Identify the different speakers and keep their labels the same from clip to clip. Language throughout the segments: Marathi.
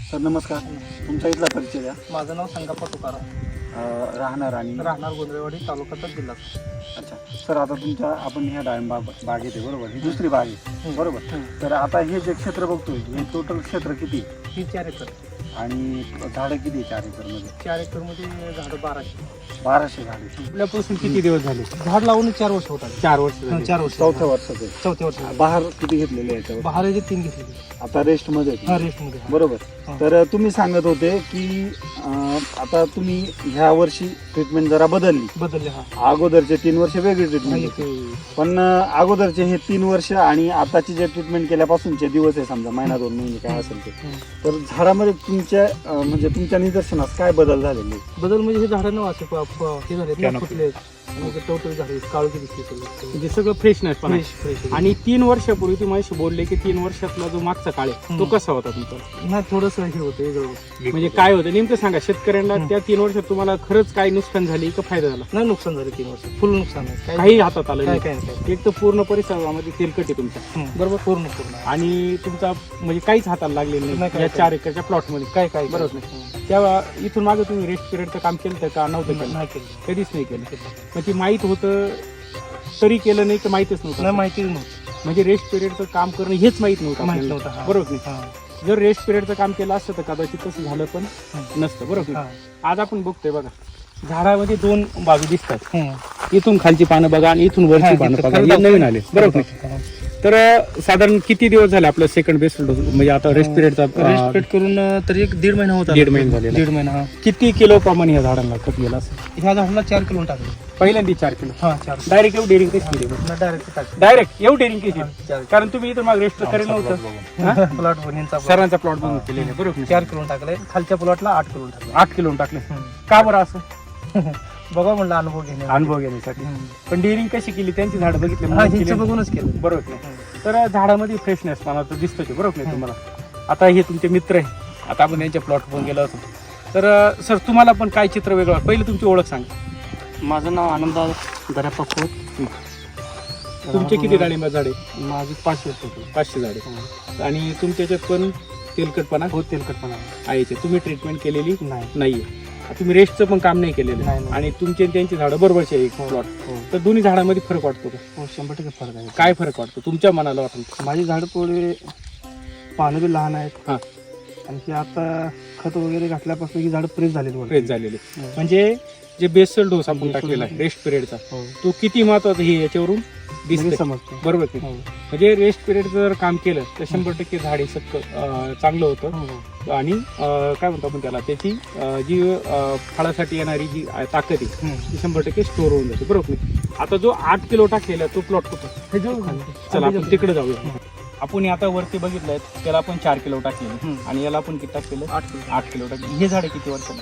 Speaker 1: सर नमस्कार. तुमचा इथला परिचय द्या.
Speaker 2: माझं नाव संगप्पा तुकाराम,
Speaker 1: राहणार
Speaker 2: गोंधळेवाडी, तालुका जिल्हा.
Speaker 1: अच्छा सर, आता तुमच्या आपण ह्या डाळिंब बागेत आहे बरोबर, ही दुसरी बाग आहे बरोबर. तर आता हे जे क्षेत्र बघतोय हे टोटल क्षेत्र किती?
Speaker 2: ही 4 एकर.
Speaker 1: आणि झाडं किती 4 एकरमध्ये?
Speaker 2: 4 एकरमध्ये झाडं
Speaker 1: 1200 झाडे.
Speaker 3: आपल्यापासून किती दिवस झाले?
Speaker 2: झाड लावून 4 वर्ष होतात.
Speaker 3: 4 वर्ष झाली.
Speaker 2: 4 वर्ष.
Speaker 1: चौथ्या वर्षात आहे.
Speaker 2: चौथ्या वर्ष.
Speaker 1: बहार किती घेतलेले आहे याच्यावर?
Speaker 2: बहाराचे 3 घेतले.
Speaker 1: आता रेस्ट मध्ये आहेत.
Speaker 2: हा, रेस्ट मध्ये.
Speaker 1: बरोबर.
Speaker 2: हा.
Speaker 1: तर तुम्ही सांगत होते की आता तुम्ही ह्या वर्षी ट्रीटमेंट जरा बदलली.
Speaker 2: हा.
Speaker 1: अगोदरचे 3 वर्ष वेगळी ट्रीटमेंट होती. पण अगोदरचे हे 3 वर्ष आणि आताची जे ट्रीटमेंट केल्यापासूनचे दिवस आहे, समजा महिना 2 महिने काय असेल ते, तर झाडामध्ये तुमच्या म्हणजे तुमच्या निदर्शनास काय बदल झालेले?
Speaker 2: बदल म्हणजे हे झाडांना असे हे झाले ना, फुटले आणि टवटवी झाले, काळोखी दिसते सगळं.
Speaker 3: म्हणजे सगळं फ्रेशनेस पण आहे.
Speaker 2: फ्रेश.
Speaker 3: आणि 3 वर्षापूर्वी तुम्ही माझ्याशी बोलले की 3 वर्षातला जो मागचा काळ आहे तो कसा होता तुमचा?
Speaker 2: नाही, थोडंसं हे होतं वेगळं.
Speaker 3: म्हणजे काय होतं नेमकं सांगा शेतकऱ्यांना. त्या 3 वर्षात तुम्हाला खरंच काय नुकसान झाली का फायदा झाला?
Speaker 2: नाही, नुकसान झालं 3 वर्ष. फुल नुकसान आहे.
Speaker 3: काही हातात आलं
Speaker 2: काय
Speaker 3: नाही.
Speaker 2: काय नाही.
Speaker 3: एक तर पूर्ण परिसरामध्ये तेलकट आहे तुमचा,
Speaker 2: बरोबर. पूर्ण.
Speaker 3: आणि तुमचा म्हणजे काहीच हाताला लागलेलं
Speaker 2: नाही,
Speaker 3: नाही
Speaker 2: काय-
Speaker 3: या 4 एकरच्या प्लॉट मध्ये.
Speaker 2: काय
Speaker 3: बरोबर नाही. तेव्हा इथून मागे तुम्ही रेस्ट पिरियडचं काम केलं का? नव्हतं केलं?
Speaker 2: नाही केलं.
Speaker 3: कधीच नाही केलं. मग ती माहीत होतं तरी केलं नाही तर माहीतच नव्हतं?
Speaker 2: नाही, माहितीच नव्हतं.
Speaker 3: म्हणजे रेस्ट पिरियडचं काम करणं हेच माहीत नव्हतं
Speaker 2: माहित
Speaker 3: आपल्याला.
Speaker 2: नव्हतं. हा.
Speaker 3: बरोबर नाही.
Speaker 2: हा.
Speaker 3: जर रेस्ट पिरियडचं काम केलं असतं तर कदाचित तसं झालं पण नसतं. बरोबर
Speaker 2: हा.
Speaker 3: नाही. आज आपण बघतोय बघा, झाडामध्ये 2 बाजू दिसतात.
Speaker 2: हम्म.
Speaker 3: इथून खालची पानं बघा आणि इथून वरची पानं बघा. हे नवीन आले. बरोबर नाही. तर साधारण किती दिवस झाले आपलं सेकंड बेस्ट डोस म्हणजे आता रेस्ट पिरियडचा?
Speaker 2: रेस्ट पिरियड करून तरी 1.5 महिना होता.
Speaker 3: 1.5 महिना झालेला.
Speaker 2: 1.5 महिना. हा.
Speaker 3: किती किलो प्रमाणे या झाडांना खत गेला असं?
Speaker 2: ह्या झाडाला 4 किलो टाकले.
Speaker 3: पहिल्यांदा 4 किलो.
Speaker 2: हा, 4.
Speaker 3: डायरेक्ट एवढी डेअरिंग कशी केली?
Speaker 2: डायरेक्ट टाकले.
Speaker 3: डायरेक्ट एवढी डेअरिंग कशी?
Speaker 2: 4
Speaker 3: कारण तुम्ही इथं मग रेस्ट करेल नव्हतं.
Speaker 2: प्लॉट बनवून
Speaker 3: सरांचा प्लॉट बनवून केलेला. बरोबर.
Speaker 2: 4 किलो टाकले. खालच्या प्लॉटला 8 किलो टाकले.
Speaker 3: 8 किलो टाकले. का बरं असं?
Speaker 2: बघा म्हणलं अनुभव घेणे.
Speaker 3: अनुभव घेण्यासाठी. पण डेअरिंग कशी केली? त्यांची झाडं बघितली
Speaker 2: हा,
Speaker 3: म्हणून
Speaker 2: हिचं
Speaker 3: केली?
Speaker 2: बघूनच केलं.
Speaker 3: बरोबर नाही. तर झाडामध्ये फ्रेशनेस पाना तर दिसतो ते. बरोबर नाही तुम्हाला? आता हे तुमचे मित्र आहे, आता आपण यांच्या प्लॉट पण गेलो होतो. तर सर तुम्हाला पण काय चित्र वेगळं? पहिले तुमची ओळख सांगा.
Speaker 2: माझं नाव आनंद दर्याप्पा खोत.
Speaker 3: तुमचे किती डाळिंब झाडे?
Speaker 2: माझी 500 होते.
Speaker 3: 500 झाडे. आणि तुमच्या याच्यात पण तेलकटपणा
Speaker 2: हो, तेलकटपणा
Speaker 3: आहे. तुम्ही ट्रीटमेंट केलेली
Speaker 2: नाही.
Speaker 3: नाहीये. तुम्ही रेस्टचं पण काम नाही केलेलं.
Speaker 2: नाही.
Speaker 3: आणि तुमचे आणि त्यांची झाडं बरोबरची आहे एक प्लॉट.
Speaker 2: हो.
Speaker 3: तर दोन्ही झाडांमध्ये फरक वाटतो का?
Speaker 2: हो, 100% फरक आहे.
Speaker 3: काय फरक वाटतो तुमच्या मनाला वाटतं?
Speaker 2: माझी झाडं थोडी पानं बी लहान आहेत.
Speaker 3: हा.
Speaker 2: आणि ही आता खत वगैरे घातल्यापासून ही झाडं प्रेस झालेली
Speaker 3: फ्रेश झालेले. म्हणजे जे बेसल डोस आपण टाकलेला आहे रेस्ट पिरियडचा,
Speaker 2: हो.
Speaker 3: तो किती महत्वाचा हे याच्यावरून दिसते.
Speaker 2: समजतं.
Speaker 3: बरोबर की?
Speaker 2: हो.
Speaker 3: म्हणजे रेस्ट पिरियड जर काम केलं तर 100% झाडे चांगलं होतं.
Speaker 2: हो.
Speaker 3: आणि काय म्हणतो आपण त्याला, त्याची जी फळासाठी येणारी जी ताकद आहे ती 100% स्टोर होऊन जाते. बरोबर नाही? आता जो 8 किलो टाकलेला तो प्लॉट कुठं? चला आपण तिकडे जाऊया. आपण आता वरती बघितलंय त्याला आपण 4 किलो टाकलेले आणि याला आपण किती टाकलेलं? 8 किलो टाकले. हे झाडे किती वर्षाला?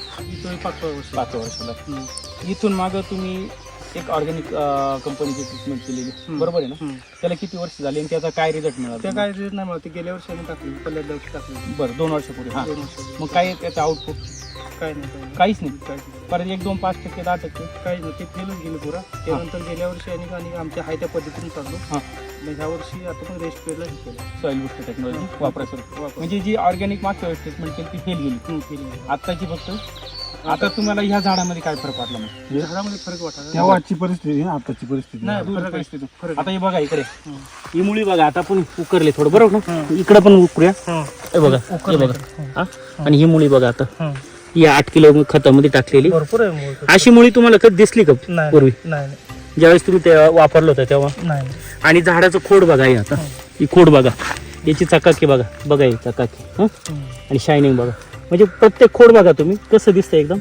Speaker 3: 5 वर्षाला. इथून मागं तुम्ही एक ऑर्गॅनिक कंपनीची ट्रीटमेंट केलेली, बरोबर आहे ना? त्याला किती वर्ष झाली आणि त्याचा काय रिझल्ट मिळाला?
Speaker 2: त्या काय रिझल्ट नाही मिळाला. गेल्या वर्षी आम्ही टाकली, पहिल्या दिवशी टाकली.
Speaker 3: बरं, 2 वर्षापूर्वी. हा.
Speaker 2: 2 वर्ष.
Speaker 3: मग काय त्याचं आउटपुट?
Speaker 2: काय नाही.
Speaker 3: काहीच नाही. परत 1, 2, 5%, 10%?
Speaker 2: काही नाही. ते फेलच गेलं पुरा. त्यानंतर गेल्या वर्षी आणि आमच्या हाय त्या पद्धतीने चाललो.
Speaker 3: हां.
Speaker 2: मग ह्या वर्षी आता पण रेस्ट पेरला केलं.
Speaker 3: सॉइल बुस्टर टेक्नॉलॉजी वापरायचं. म्हणजे जी ऑर्गॅनिक मागच्या वेळेस ट्रीटमेंट केली ती फेल गेली. आत्ताची फक्त आता तुम्हाला ह्या झाडामध्ये काय फरक वाटला? मग
Speaker 2: झाडामध्ये फरक वाटला.
Speaker 1: तेव्हाची परिस्थिती आणि आताची परिस्थिती
Speaker 2: नाही,
Speaker 3: दूर
Speaker 2: फरक आहे.
Speaker 3: परिस्थिती.
Speaker 2: फरक
Speaker 3: आता हे बघा इकडे, ही मुळी बघा. आता आपण उकरले थोडं, बरोबर ना? इकडे पण उकरूया. हे बघा, हे बघा. हा? आणि ही मुळी बघा आता या 8 किलो खतामध्ये टाकलेली.
Speaker 2: भरपूर आहे.
Speaker 3: अशी मुळी तुम्हाला कधी दिसली का
Speaker 2: नाही,
Speaker 3: पूर्वी?
Speaker 2: नाही,
Speaker 3: ज्यावेळेस तुम्ही ते वापरलं होतं तेव्हा?
Speaker 2: नाही.
Speaker 3: आणि झाडाचं खोड बघा. हे आता ही खोड बघा, याची चकाकी बघा. बघा ही चकाकी. हं? आणि शायनिंग बघा. म्हणजे प्रत्येक खोड बघा तुम्ही कसं दिसतंय. एकदम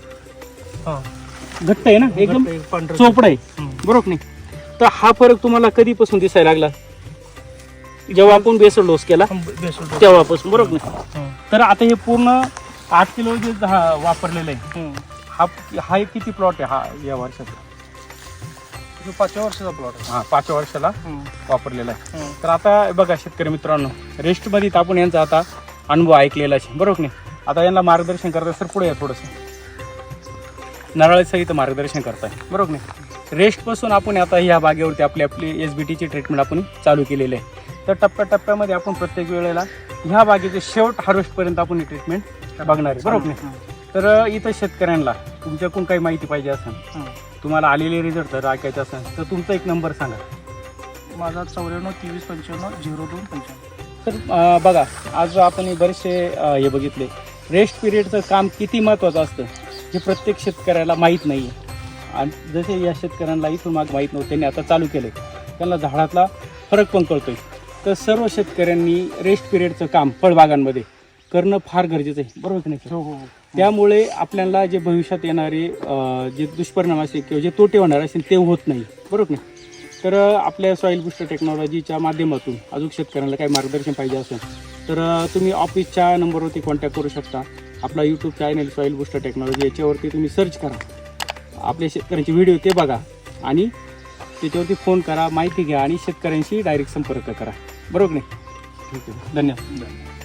Speaker 3: घट्ट आहे ना, एकदम चोपड आहे. बरोबर नाही? तर हा फरक तुम्हाला कधीपासून दिसायला लागला? जेव्हा आपण बेसल डोस केला तेव्हापासून. बरोबर नाही? तर आता हे पूर्ण 8 किलो जे वापरलेलं आहे, हा किती प्लॉट आहे हा या वर्षाचा?
Speaker 2: 5व्या वर्षाचा प्लॉट आहे.
Speaker 3: हा, 5व्या वर्षाला वापरलेला आहे. तर आता बघा शेतकरी मित्रांनो, रेस्टमध्ये आपण यांचा आता अनुभव ऐकलेला आहे. बरोबर नाही? आता यांना मार्गदर्शन करताय. सर पुढे या थोडंसं. नराळेसहित मार्गदर्शन करताय. बरोबर नाही? रेस्टपासून आपण आता ह्या बागेवरती आपली SBTची ट्रीटमेंट आपण चालू केलेली आहे. तर टप्प्याटप्प्यामध्ये आपण प्रत्येक वेळेला ह्या बागेचे शेवट हार्वेस्ट पर्यंत आपण ट्रीटमेंट बघणार आहे, बरोबर नाही? तर इथं शेतकऱ्यांना तुमच्याकडून काही माहिती पाहिजे असेल, तुम्हाला आलेले रिझल्ट जर ऐकायचं असेल तर तुमचा एक नंबर सांगा.
Speaker 2: माझा 94-23-55-02-55.
Speaker 3: तर बघा, आज आपण हे बरेचसे हे बघितले, रेस्ट पिरियडचं काम किती महत्त्वाचं असतं हे प्रत्येक शेतकऱ्याला माहीत नाही आहे. आणि जसे या शेतकऱ्यांना इथून माग माहीत नव्हतं, त्यांनी आता चालू केलं, त्यांना झाडातला फरक पण कळतोय. तर सर्व शेतकऱ्यांनी रेस्ट पिरियडचं काम फळबागांमध्ये करणं फार गरजेचं आहे, बरोबर की नाही?
Speaker 2: हो.
Speaker 3: त्यामुळे आपल्याला जे भविष्यात येणारे जे दुष्परिणाम असतील किंवा जे तोटे होणार असतील ते होत नाही, बरोबर नाही? तर आपल्या सॉईल बुस्टर टेक्नॉलॉजीच्या माध्यमातून अजून शेतकऱ्यांना काही मार्गदर्शन पाहिजे असेल तर तुम्ही ऑफिसच्या नंबरवरती कॉन्टॅक्ट करू शकता. आपला YouTube channel soil booster technology याच्यावरती तुम्ही सर्च करा, आपल्या शेतकऱ्यांचे व्हिडिओ ते बघा आणि त्याच्यावरती फोन करा, माहिती घ्या आणि शेतकऱ्यांशी डायरेक्ट संपर्क करा, बरोबर नाही? ठीक आहे, धन्यवाद.